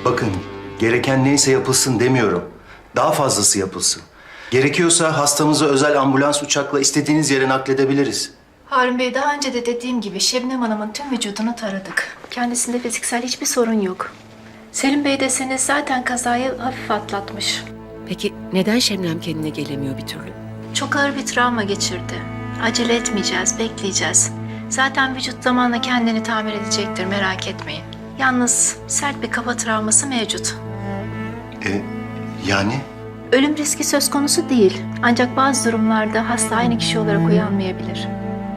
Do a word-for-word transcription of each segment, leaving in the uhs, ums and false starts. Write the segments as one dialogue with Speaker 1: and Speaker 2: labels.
Speaker 1: Bakın, gereken neyse yapılsın demiyorum. Daha fazlası yapılsın. Gerekiyorsa hastamızı özel ambulans uçakla istediğiniz yere nakledebiliriz.
Speaker 2: Harun Bey, daha önce de dediğim gibi Şebnem Hanım'ın tüm vücudunu taradık. Kendisinde fiziksel hiçbir sorun yok. Selim Bey deseniz zaten kazayı hafif atlatmış.
Speaker 3: Peki neden Şebnem kendine gelemiyor bir türlü?
Speaker 2: Çok ağır bir travma geçirdi. Acele etmeyeceğiz, bekleyeceğiz. Zaten vücut zamanla kendini tamir edecektir, merak etmeyin. Yalnız sert bir kafa travması mevcut.
Speaker 1: E, yani?
Speaker 2: Ölüm riski söz konusu değil. Ancak bazı durumlarda hasta aynı kişi olarak uyanmayabilir.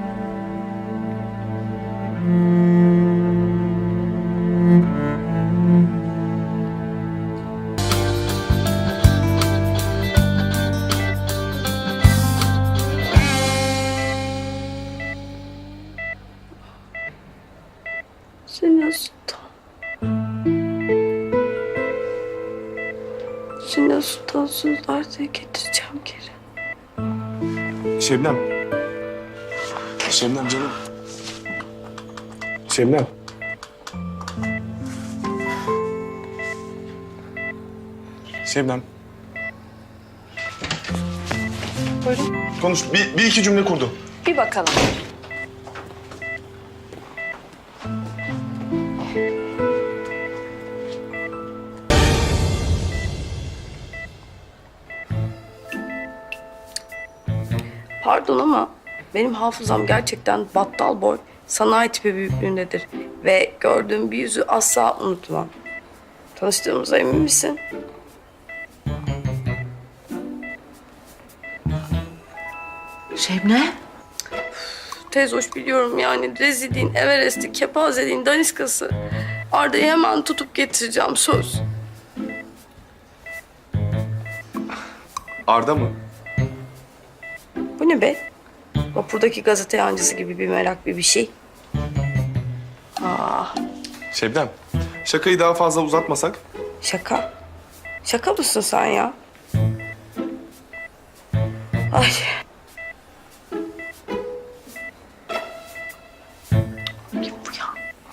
Speaker 4: Seni Sultan. Seni Sultan sözlerce getireceğim geri.
Speaker 5: Şebnem. Şebnem canım. Şebnem. Şebnem.
Speaker 4: Buyurun.
Speaker 5: Konuş. Bir, bir iki cümle kurdu.
Speaker 4: Bir bakalım. Pardon ama benim hafızam gerçekten battal boy, sanayi tipi büyüklüğündedir. Ve gördüğüm bir yüzü asla unutmam. Tanıştığımıza emin misin?
Speaker 3: Şebnem?
Speaker 4: Tez hoş biliyorum yani. Rezilliğin, Everest'i, kepazeliğin daniskası. Arda'yı hemen tutup getireceğim, söz.
Speaker 5: Arda mı?
Speaker 4: Bu ne be? Vapurdaki gazete yancısı gibi bir merak, bir bir şey. Aa,
Speaker 5: Şebnem. Şakayı daha fazla uzatmasak.
Speaker 4: şaka. Şaka mısın sen ya? Ay. Kim bu ya?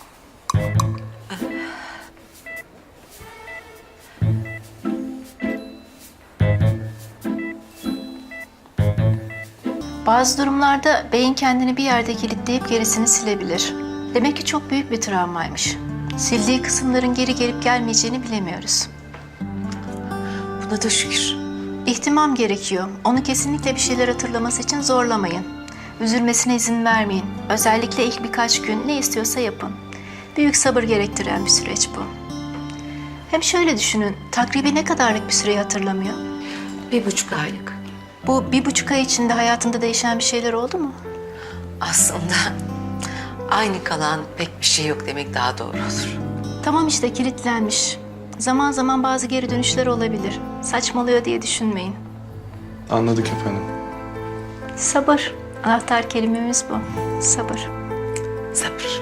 Speaker 2: Bazı durumlarda beyin kendini bir yerde kilitleyip gerisini silebilir. Demek ki çok büyük bir travmaymış. Sildiği kısımların geri gelip gelmeyeceğini bilemiyoruz.
Speaker 3: Buna da şükür.
Speaker 2: İhtimam gerekiyor. Onu kesinlikle bir şeyler hatırlaması için zorlamayın. Üzülmesine izin vermeyin. Özellikle ilk birkaç gün ne istiyorsa yapın. Büyük sabır gerektiren bir süreç bu. Hem şöyle düşünün, takribi ne kadarlık bir süreyi hatırlamıyor?
Speaker 3: Bir buçuk aylık.
Speaker 2: Bu bir buçuk ay içinde hayatında değişen bir şeyler oldu mu?
Speaker 3: Aslında aynı kalan pek bir şey yok demek daha doğru olur.
Speaker 2: Tamam işte, kilitlenmiş. Zaman zaman bazı geri dönüşler olabilir. Saçmalıyor diye düşünmeyin.
Speaker 5: Anladık efendim.
Speaker 2: Sabır. Anahtar kelimemiz bu. Sabır.
Speaker 3: Sabır.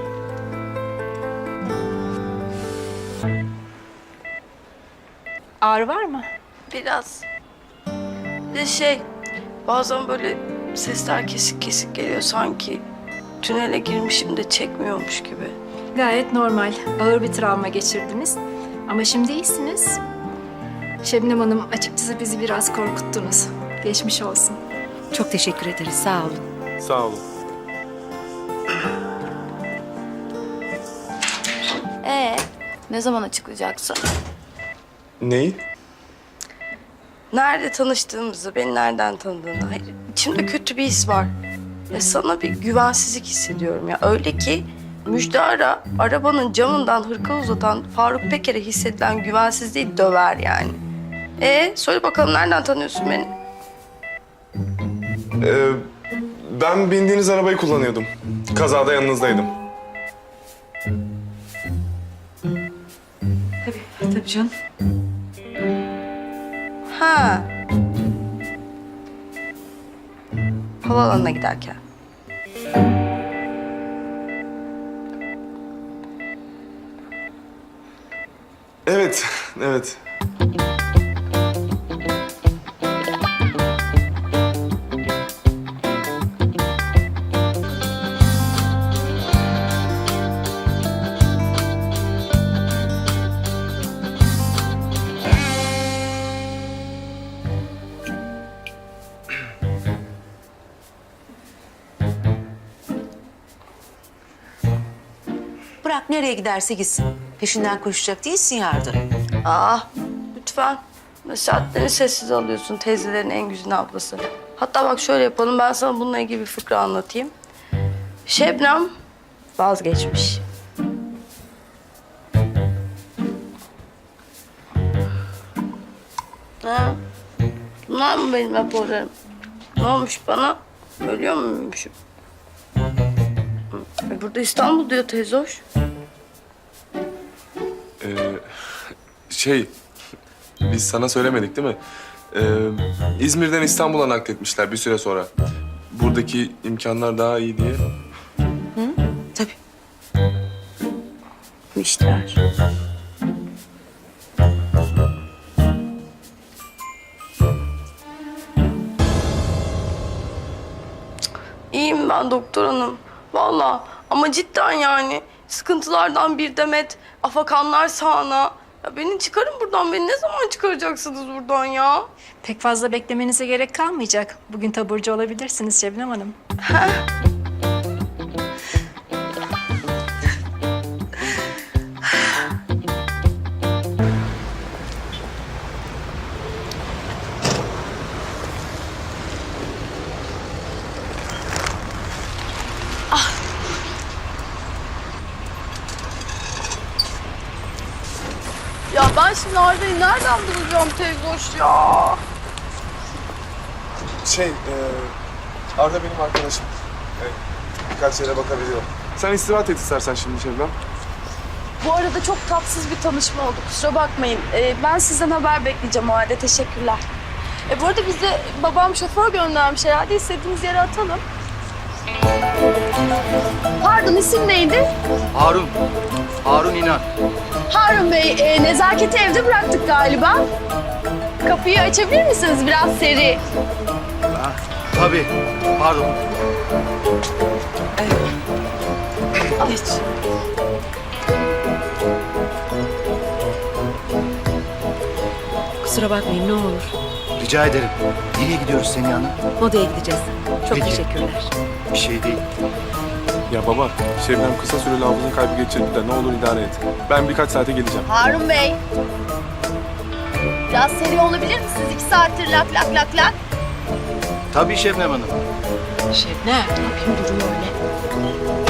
Speaker 2: Ağrı var mı?
Speaker 4: Biraz. Bir de şey, bazen böyle sesler kesik kesik geliyor sanki. Tünele girmişim de çekmiyormuş gibi.
Speaker 2: Gayet normal. Ağır bir travma geçirdiniz. Ama şimdi iyisiniz. Şebnem Hanım, açıkçası bizi biraz korkuttunuz. Geçmiş olsun.
Speaker 3: Çok teşekkür ederiz. Sağ olun.
Speaker 5: Sağ olun.
Speaker 6: Ee, ne zaman açıklayacaksın?
Speaker 5: Neyi?
Speaker 4: Nerede tanıştığımızı, beni nereden tanıdığını. Hayır, içimde kötü bir his var. Ve sana bir güvensizlik hissediyorum ya. Öyle ki Müjdar'a arabanın camından hırka uzatan Faruk Peker'e hissedilen güvensizliği döver yani. Ee, söyle bakalım nereden tanıyorsun beni?
Speaker 5: Ee, ben bindiğiniz arabayı kullanıyordum. Kazada yanınızdaydım.
Speaker 3: Tabii, tabii canım.
Speaker 4: Ha. Havaalanına giderken.
Speaker 5: Evet, evet.
Speaker 3: Bırak nereye giderse gitsin. Peşinden koşacak değilsin yardım.
Speaker 4: Aa, lütfen. Nasihatlerini sessiz alıyorsun teyzelerin en güzide ablası. Hatta bak şöyle yapalım, ben sana bununla ilgili bir fıkra anlatayım. Şebnem vazgeçmiş. Ha? Bunlar mı benim raporlarım? Ne olmuş bana? Ölüyor muymuşum? E burada İstanbul diyor teyze hoş.
Speaker 5: Ee, şey, biz sana söylemedik değil mi? Ee, İzmir'den İstanbul'a nakletmişler bir süre sonra. Buradaki imkanlar daha iyi diye.
Speaker 3: Tabii.
Speaker 4: İşler. İyiyim ben doktor hanım. Vallahi ama cidden yani sıkıntılardan bir demet afakanlar sağana. Ya beni çıkarın buradan. Beni ne zaman çıkaracaksınız buradan ya?
Speaker 2: Pek fazla beklemenize gerek kalmayacak. Bugün taburcu olabilirsiniz Şebnem Hanım.
Speaker 4: Ya ben şimdi Arda'yı nereden bulacağım teyze hoş ya?
Speaker 5: Şey, e, Arda benim arkadaşım. Evet, birkaç yere bakabiliyor. Sen istirahat et istersen şimdi Şebnem.
Speaker 7: Bu arada çok tatsız bir tanışma oldu. Kusura bakmayın. Ee, ben sizden haber bekleyeceğim o halde. Teşekkürler. E, bu arada bize babam şoför göndermiş herhalde. İstediğiniz yere atalım. Pardon, isim neydi?
Speaker 1: Harun. Harun İnan.
Speaker 7: Harun Bey, e, nezaketi evde bıraktık galiba. Kapıyı açabilir misiniz? Biraz seri.
Speaker 1: Ha, tabii. Pardon.
Speaker 3: Geç. Kusura bakmayın ne olur.
Speaker 1: Rica ederim. Nereye gidiyoruz Seniha Hanım?
Speaker 3: Modaya gideceğiz. Çok
Speaker 1: Peki.
Speaker 3: teşekkürler.
Speaker 1: Bir şey değil.
Speaker 5: Ya baba, Şebnem kısa süreli hafızın kaybı geçirdi de ne olur idare et. Ben birkaç saate geleceğim.
Speaker 7: Harun Bey. Biraz seri olabilir misiniz? İki saattir lak lak lak lak.
Speaker 1: Tabii Şebnem Hanım.
Speaker 3: Şebnem.
Speaker 7: Ne yapayım duruyor öyle.